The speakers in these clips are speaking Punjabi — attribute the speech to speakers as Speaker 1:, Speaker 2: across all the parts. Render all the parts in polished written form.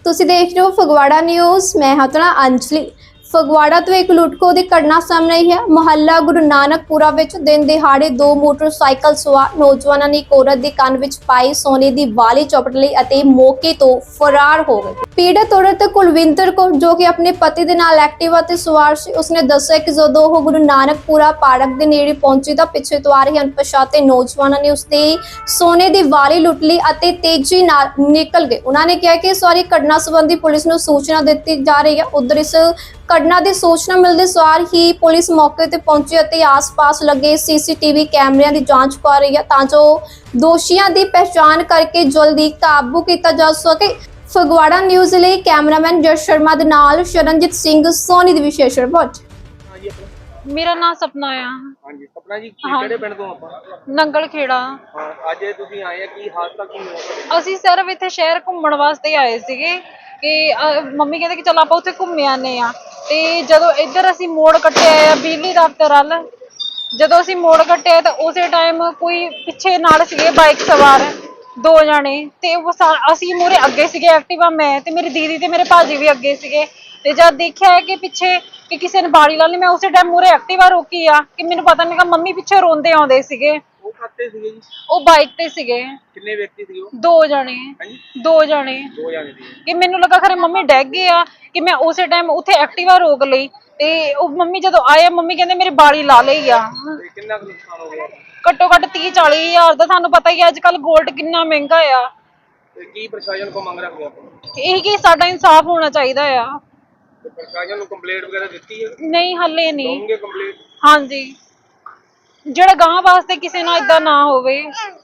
Speaker 1: ਤੁਸੀਂ ਦੇਖ ਰਹੇ ਹੋ ਫਗਵਾੜਾ ਨਿਊਜ਼। ਮੈਂ ਹਾਂ ਤੁਹਾਡਾ ਅੰਜਲੀ। ਫਗਵਾੜਾ ਤੋਂ ਇੱਕ ਲੁੱਟਖੋ ਦੀ ਘਟਨਾ ਸਾਹਮਣੇ ਆਈ ਹੈ। ਮੁਹੱਲਾ ਗੁਰੂ ਨਾਨਕਪੁਰਾ ਵਿੱਚ ਦਿਨ ਦਿਹਾੜੇ ਦੋ ਮੋਟਰਸਾਈਕਲ ਸਵਾਰ ਨੌਜਵਾਨਾਂ ਨੇ ਇੱਕ ਔਰਤ ਦੇ ਕੰਨ ਵਿੱਚ ਪਾਈ ਸੋਨੇ ਦੀ ਵਾਲੀ ਚੁੱਪ ਲਈ ਅਤੇ ਮੌਕੇ ਤੋਂ ਫਰਾਰ ਹੋ ਗਏ। ਪੀੜਤ ਔਰਤ ਕੁਲਵਿੰਦਰ ਕੌਰ ਜੋ ਕਿ ਆਪਣੇ ਪਤੀ ਦੇ ਨਾਲ ਐਕਟਿਵਾ ਤੇ ਸਵਾਰ ਸੀ, ਉਸਨੇ ਦੱਸਿਆ ਕਿ ਜਦੋਂ ਉਹ ਗੁਰੂ ਨਾਨਕਪੁਰਾ ਪਾਰਕ ਦੇ ਨੇੜੇ ਪਹੁੰਚੀ ਤਾਂ ਪਿੱਛੇ ਤੋਂ ਆ ਰਹੇ ਅਣਪਛਾਤੇ ਨੌਜਵਾਨਾਂ ਨੇ ਉਸਦੀ ਸੋਨੇ ਦੀ ਵਾਲੀ ਲੁੱਟ ਲਈ ਅਤੇ ਤੇਜ਼ੀ ਨਾਲ ਨਿਕਲ ਗਏ। ਉਹਨਾਂ ਨੇ ਕਿਹਾ ਕਿ ਇਸ ਵਾਰੀ ਘਟਨਾ ਸੰਬੰਧੀ ਪੁਲਿਸ ਨੂੰ ਸੂਚਨਾ ਦਿੱਤੀ ਜਾ ਰਹੀ ਹੈ। ਉਧਰ ਇਸ ਘਟਨਾ ਦੀ ਸੂਚਨਾ ਮਿਲਦੇ ਸਾਰ ਹੀ ਪੁਲਿਸ ਮੌਕੇ ਤੇ ਪਹੁੰਚੀ ਅਤੇ ਆਸ-ਪਾਸ ਲੱਗੇ ਸੀਸੀਟੀਵੀ ਕੈਮਰਿਆਂ ਦੀ ਜਾਂਚ ਕਰ ਰਹੀ ਹੈ ਤਾਂ ਜੋ ਦੋਸ਼ੀਆਂ ਦੀ ਪਹਿਚਾਣ ਕਰਕੇ ਜਲਦੀ ਕਾਬੂ ਕੀਤਾ ਜਾ ਸਕੇ। ਫਗਵਾੜਾ ਨਿਊਜ਼ ਲਈ ਕੈਮਰਾਮੈਨ ਜਸ ਸ਼ਰਮਾ ਦੇ ਨਾਲ ਸ਼ਰਨਜੀਤ ਸਿੰਘ ਸੋਨੀ ਦੀ ਵਿਸ਼ੇਸ਼ ਰਿਪੋਰਟ।
Speaker 2: मेरा नाम सपना है।
Speaker 3: हाँ जी सपना जी किहड़े पिंड तो ਆਪਾਂ
Speaker 2: नंगल खेड़ा।
Speaker 3: ਹਾਂ ਅੱਜ ਤੁਸੀਂ ਆਏ ਆ ਕੀ ਹਾਦਸਾ ਕੀ ਹੋਇਆ?
Speaker 2: ਅਸੀਂ ਸਿਰਫ ਇੱਥੇ ਸ਼ਹਿਰ ਘੁੰਮਣ ਵਾਸਤੇ ਆਏ ਸੀਗੇ ਕਿ ਮੰਮੀ ਕਹਿੰਦੇ ਕਿ ਚਲ ਆਪਾਂ ਉੱਥੇ ਘੁੰਮ ਆਨੇ ਆ। ਤੇ ਜਦੋਂ ਇੱਧਰ ਅਸੀਂ ਮੋੜ ਕੱਟਿਆ ਆ ਬਿਜਲੀ ਦਫ਼ਤਰ ਵੱਲ, ਜਦੋਂ ਅਸੀਂ ਮੋੜ ਕੱਟਿਆ ਤਾਂ ਉਸੇ ਟਾਈਮ ਕੋਈ ਪਿੱਛੇ ਨਾਲ ਸੀਗੇ ਬਾਈਕ ਸਵਾਰ ਦੋ ਜਾਣੇ ਤੇ ਅਸੀਂ ਮੂਹਰੇ ਅੱਗੇ ਸੀਗੇ ਐਕਟਿਵਾ ਮੈਂ ਤੇ ਮੇਰੀ ਦੀਦੀ ਤੇ ਮੇਰੇ ਭਾਜੀ ਵੀ ਅੱਗੇ ਸੀਗੇ। ਤੇ ਜਦ ਦੇਖਿਆ ਕਿ ਪਿੱਛੇ ਕਿ ਕਿਸੇ ਨੇ ਬਾੜੀ ਲਾ ਲਈ, ਮੈਂ ਉਸੇ ਟਾਈਮ ਮੂਹਰੇ ਐਕਟਿਵਾ ਰੋਕੀ ਆ ਕਿ ਮੈਨੂੰ ਪਤਾ ਨਹੀਂ ਕਿ ਮੰਮੀ ਪਿੱਛੇ ਰੋਂਦੇ ਆਉਂਦੇ ਸੀਗੇ।
Speaker 3: ਉਹ ਖਾਤੇ ਸੀਗੇ ਜੀ?
Speaker 2: ਉਹ ਬਾਈਕ ਤੇ ਸੀਗੇ।
Speaker 3: ਕਿੰਨੇ ਵਿਅਕਤੀ ਸੀਗੇ ਉਹ?
Speaker 2: ਦੋ ਜਾਣੇ
Speaker 3: ਦੋ ਜਾਣੇ ਸੀ
Speaker 2: ਕਿ ਮੈਨੂੰ ਲੱਗਾ ਖਰੇ ਮੰਮੀ ਡੈਗ ਗਏ ਆ ਕਿ ਮੈਂ ਉਸੇ ਟਾਈਮ ਉੱਥੇ ਐਕਟਿਵਾ ਰੋਕ ਲਈ ਤੇ ਉਹ ਮੰਮੀ ਜਦੋਂ ਆਏ ਮੰਮੀ ਕਹਿੰਦੇ ਮੇਰੀ ਬਾੜੀ ਲਾ ਲਈ ਆ।
Speaker 3: ਤੇ ਕਿੰਨਾ ਕੁ ਨੁਕਸਾਨ ਹੋ ਗਿਆ?
Speaker 2: ਘੱਟੋ ਘੱਟ 30-40 ਹਜ਼ਾਰ ਦਾ। ਤੁਹਾਨੂੰ ਪਤਾ ਹੀ ਹੈ ਅੱਜ ਕੱਲ ਗੋਲਡ ਕਿੰਨਾ ਮਹਿੰਗਾ ਆ।
Speaker 3: ਤੇ ਕੀ ਪ੍ਰਸ਼ਾਸਨ ਕੋ ਮੰਗ ਰੱਖਦੇ ਆਪਾਂ?
Speaker 2: ਇਹ ਕਿ ਸਾਡਾ ਇਨਸਾਫ ਹੋਣਾ ਚਾਹੀਦਾ ਆ।
Speaker 3: ਤੇ ਪ੍ਰਸ਼ਾਸਨ ਨੂੰ ਕੰਪਲੇਂਟ ਵਗੈਰਾ ਦਿੱਤੀ ਹੈ?
Speaker 2: ਨਹੀਂ ਹੱਲੇ ਨਹੀਂ।
Speaker 3: ਦੋਗੇ ਕੰਪਲੇਂਟ?
Speaker 2: ਹਾਂਜੀ, ਜਿਹੜਾ ਗਾਂ ਵਾਸਤੇ ਕਿਸੇ ਨਾਲ ਇਦਾਂ ਨਾ ਹੋਵੇ।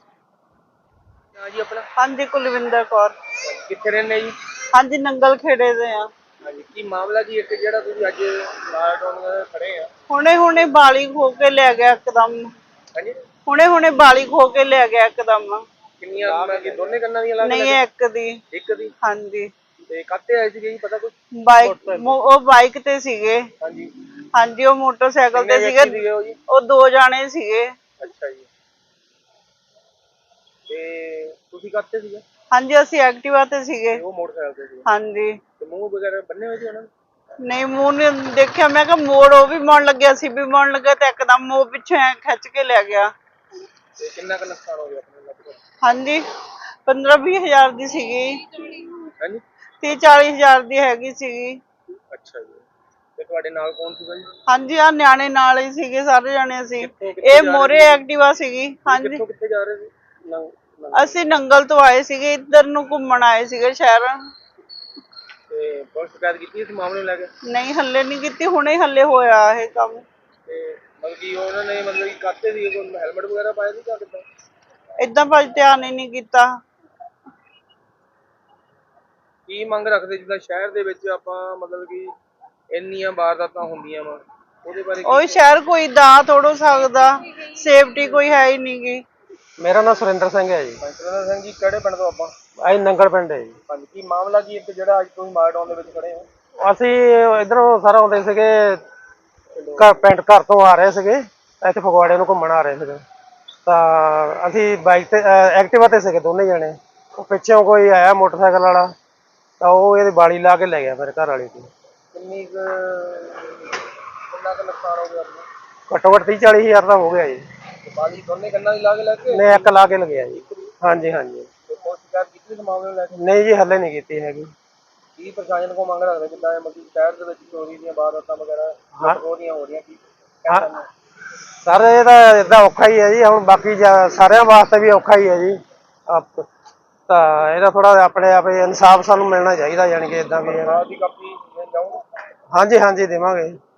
Speaker 3: ਹਾਂ ਜੀ ਆਪਣਾ?
Speaker 4: ਹਾਂਜੀ ਕੁਲਵਿੰਦਰ ਕੌਰ।
Speaker 3: ਕਿੱਥੇ ਰਹਿੰਦੇ ਜੀ?
Speaker 4: ਹਾਂਜੀ ਨੰਗਲ ਖੇੜੇ ਦੇ ਆ।
Speaker 3: ਹਾਂਜੀ ਕੀ ਮਾਮਲਾ ਜੀ ਇੱਕ ਜਿਹੜਾ ਤੁਸੀਂ ਅੱਜ ਲਾਲਟਾਊਨ ਖੜੇ ਆ?
Speaker 4: ਹੁਣੇ ਬਾਲੀ ਖੋ ਕੇ ਲੈ ਗਿਆ ਇੱਕਦਮ।
Speaker 3: ਹਾਂਜੀ
Speaker 4: ਹੁਣੇ ਬਾਲੀ ਖੋ ਕੇ ਲੈ ਗਿਆ ਇੱਕਦਮ।
Speaker 3: ਕਿੰਨੀਆਂ ਕਿ ਦੋਨੇ ਕੰਨਾਂ ਦੀਆਂ ਲੱਗ
Speaker 4: ਨਹੀਂ ਇੱਕ ਦੀ।
Speaker 3: ਇੱਕ ਦੀ?
Speaker 4: ਹਾਂਜੀ।
Speaker 3: ਤੇ ਕਾਤੇ ਆਏ ਸੀਗੇ ਜੀ ਪਤਾ ਕੁਛ?
Speaker 4: ਉਹ ਬਾਈਕ ਤੇ ਸੀਗੇ।
Speaker 3: ਹਾਂਜੀ
Speaker 4: ਹਾਂਜੀ ਉਹ ਮੋਟਰਸਾਈਕਲ ਤੇ ਸੀਗੇ। ਉਹ ਦੋ ਜਾਣੇ ਸੀਗੇ।
Speaker 3: ਅੱਛਾ ਜੀ। ਤੇ ਤੁਸੀਂ ਕਾਤੇ ਸੀਗੇ?
Speaker 4: ਹਾਂਜੀ ਅਸੀਂ ਐਕਟਿਵਾ ਤੇ ਸੀਗੇ।
Speaker 3: ਉਹ ਮੋਟਰਸਾਈਕਲ ਤੇ ਸੀਗੇ?
Speaker 4: ਹਾਂਜੀ।
Speaker 3: ਤੇ ਮੂੰਹ ਵਗੈਰਾ ਬੰਨੇ ਹੋਏ ਸੀ ਉਹਨਾਂ ਨੇ?
Speaker 4: ਨਹੀਂ ਮੂੰਹ ਨੇ ਦੇਖਿਆ। ਮੈਂ ਕਿਹਾ ਮੋੜ ਉਹ ਵੀ ਮੋੜਨ ਲੱਗਿਆ ਸੀ ਵੀ ਮੋੜਨ ਲੱਗਾ ਤੇ ਇੱਕਦਮ ਉਹ ਪਿੱਛੇ ਖਿੱਚ ਕੇ ਲੈ ਗਿਆ।
Speaker 3: ਤੇ ਕਿੰਨਾ ਕੁ ਨੁਕਸਾਨ ਹੋ ਗਿਆ ਆਪਣੇ ਲਗਭਗ?
Speaker 4: ਹਾਂਜੀ 15-20 ਹਜ਼ਾਰ ਦੀ ਸੀਗੀ।
Speaker 3: ਹਾਂਜੀ
Speaker 4: 30-40 ਹਜ਼ਾਰ ਦੀ ਹੈਗੀ ਸੀਗੀ।
Speaker 3: ਅੱਛਾ ਜੀ। ਤੇ ਤੁਹਾਡੇ ਨਾਲ ਕੌਣ ਸੀਗਾ ਜੀ?
Speaker 4: ਹਾਂਜੀ ਆ ਨਿਆਣੇ ਨਾਲ ਹੀ ਸੀਗੇ ਸਾਰੇ ਜਾਣੇ ਅਸੀਂ।
Speaker 3: ਕਿੱਥੋਂ
Speaker 4: ਇਹ ਮੋਰੇ ਐਕਟਿਵਾ ਸੀਗੀ। ਹਾਂਜੀ
Speaker 3: ਕਿੱਥੇ ਜਾ ਰਹੇ ਸੀ?
Speaker 4: ਅਸੀਂ ਨੰਗਲ ਤੋਂ ਆਏ ਸੀਗੇ, ਇੱਧਰ ਨੂੰ ਘੁੰਮਣ ਆਏ ਸੀਗੇ ਸ਼ਹਿਰ।
Speaker 3: ਤੇ ਪੁਲਿਸ ਸ਼ਿਕਾਇਤ ਕੀਤੀ ਇਸ ਮਾਮਲੇ ਨੂੰ ਲੈ ਕੇ?
Speaker 4: ਨਹੀਂ ਹੱਲੇ ਨਹੀਂ ਕੀਤੀ, ਹੁਣੇ ਹੱਲੇ ਹੋਇਆ ਇਹ ਕੰਮ।
Speaker 3: ਤੇ ਮਤਲਬ ਕਿ ਉਹਨਾਂ ਨੇ ਮਤਲਬ ਕਿ ਕਾਤੇ ਸੀ ਕੋਈ ਹੈਲਮਟ ਵਗੈਰਾ ਪਾਇਆ ਸੀ ਜਾਂ ਕਿੱਦਾਂ?
Speaker 4: ਏਦਾਂ ਭਾਜੀ ਧਿਆਨ ਹੀ ਨਹੀਂ ਕੀਤਾ।
Speaker 3: ਕੀ ਮੰਗ ਰੱਖਦੇ ਜਿੱਦਾਂ ਸ਼ਹਿਰ ਦੇ ਵਿੱਚ ਆਪਾਂ ਮਤਲਬ ਕਿ ਇੰਨੀਆਂ ਵਾਰਦਾਤਾਂ ਹੁੰਦੀਆਂ ਵਾ ਉਹਦੇ ਬਾਰੇ?
Speaker 4: ਉਹ ਸ਼ਹਿਰ ਕੋਈ ਦਾ ਤੋੜੋ ਸਕਦਾ, ਸੇਫਟੀ ਕੋਈ ਹੈ ਹੀ ਨਹੀਂ ਗੀ।
Speaker 5: ਮੇਰਾ ਨਾਮ ਸੁਰਿੰਦਰ ਸਿੰਘ ਹੈ ਜੀ।
Speaker 3: ਸੁਰਿੰਦਰ ਸਿੰਘ ਜੀ ਕਿਹੜੇ ਪਿੰਡ ਤੋਂ ਆਪਾਂ?
Speaker 5: ਅਸੀਂ ਨੰਗਲ ਪਿੰਡ ਹੈ ਜੀ।
Speaker 3: ਹਾਂਜੀ ਕੀ ਮਾਮਲਾ ਕੀ ਇੱਕ ਜਿਹੜਾ ਅੱਜ ਤੁਸੀਂ ਮਾਲਟਾਊਨ ਦੇ ਵਿੱਚ ਖੜੇ ਹੋ?
Speaker 5: ਅਸੀਂ ਇਧਰੋਂ ਸਾਰਾ ਆਉਂਦੇ ਸੀਗੇ ਘਰ ਤੋਂ ਆ ਰਹੇ ਸੀਗੇ, ਇੱਥੇ ਫਗਵਾੜੇ ਨੂੰ ਘੁੰਮਣ ਆ ਰਹੇ ਸੀਗੇ। ਤਾਂ ਅਸੀਂ ਬਾਈਕ ਤੇ ਐਕਟਿਵਾ ਤੇ ਸੀਗੇ ਦੋਨੇ ਜਣੇ। ਉਹ ਪਿੱਛੋਂ ਕੋਈ ਆਇਆ ਮੋਟਰਸਾਈਕਲ ਵਾਲਾ ਤਾਂ ਉਹ ਇਹਦੀ ਬਾੜੀ ਲਾ ਕੇ ਲੈ ਗਿਆ ਮੇਰੇ ਘਰ ਵਾਲੀ ਦੀ।
Speaker 3: ਕਿੰਨਾ ਕੁ ਨੁਕਸਾਨ ਹੋ ਗਿਆ ਆਪਣਾ?
Speaker 5: ਘੱਟੋ ਘੱਟ 30-40 ਹਜ਼ਾਰ ਦਾ ਹੋ ਗਿਆ ਜੀ।
Speaker 3: ਬਾਲੀ ਦੋਨੇ ਕੰਨਾਂ ਦੀ ਲਾ ਕੇ ਲੈ ਕੇ?
Speaker 5: ਨਹੀਂ ਇੱਕ ਲਾ ਕੇ ਲਗਿਆ ਜੀ। ਹਾਂਜੀ ਹਾਂਜੀ।
Speaker 3: ਤੇ ਪੁਲਿਸ ਸ਼ਿਕਾਇਤ ਕੀਤੀ ਇਸ ਮਾਮਲੇ ਨੂੰ ਲੈ ਕੇ?
Speaker 5: ਨਹੀਂ ਜੀ ਹੱਲੇ ਨਹੀਂ ਕੀਤੀ ਹੈਗੀ।
Speaker 3: ਕੀ ਪ੍ਰਸ਼ਾਸਨ ਕੋ ਮੰਗ ਰੱਖਦੇ ਜਿੱਦਾਂ ਮਤਲਬ ਸ਼ਹਿਰ ਦੇ ਵਿੱਚ ਚੋਰੀ ਦੀਆਂ ਵਾਰਦਾਤਾਂ ਵਗੈਰਾ ਹੋ ਰਹੀਆਂ ਕੀ?
Speaker 5: ਸਰ ਇਹ ਤਾਂ ਏਦਾਂ ਔਖਾ ਹੀ ਹੈ ਜੀ। ਹੁਣ ਬਾਕੀ ਸਾਰਿਆਂ ਵਾਸਤੇ ਵੀ ਔਖਾ ਹੀ ਹੈ ਜੀ। ਤਾਂ ਇਹਦਾ ਥੋੜਾ ਆਪਣੇ ਆਪ ਇਨਸਾਫ ਸਾਨੂੰ ਮਿਲਣਾ ਚਾਹੀਦਾ, ਯਾਨੀ ਕਿ ਏਦਾਂ ਵੀ।
Speaker 3: ਦੀ ਕਾਪੀ ਜਾਊਗਾ?
Speaker 5: ਹਾਂਜੀ ਹਾਂਜੀ ਦੇਵਾਂਗੇ।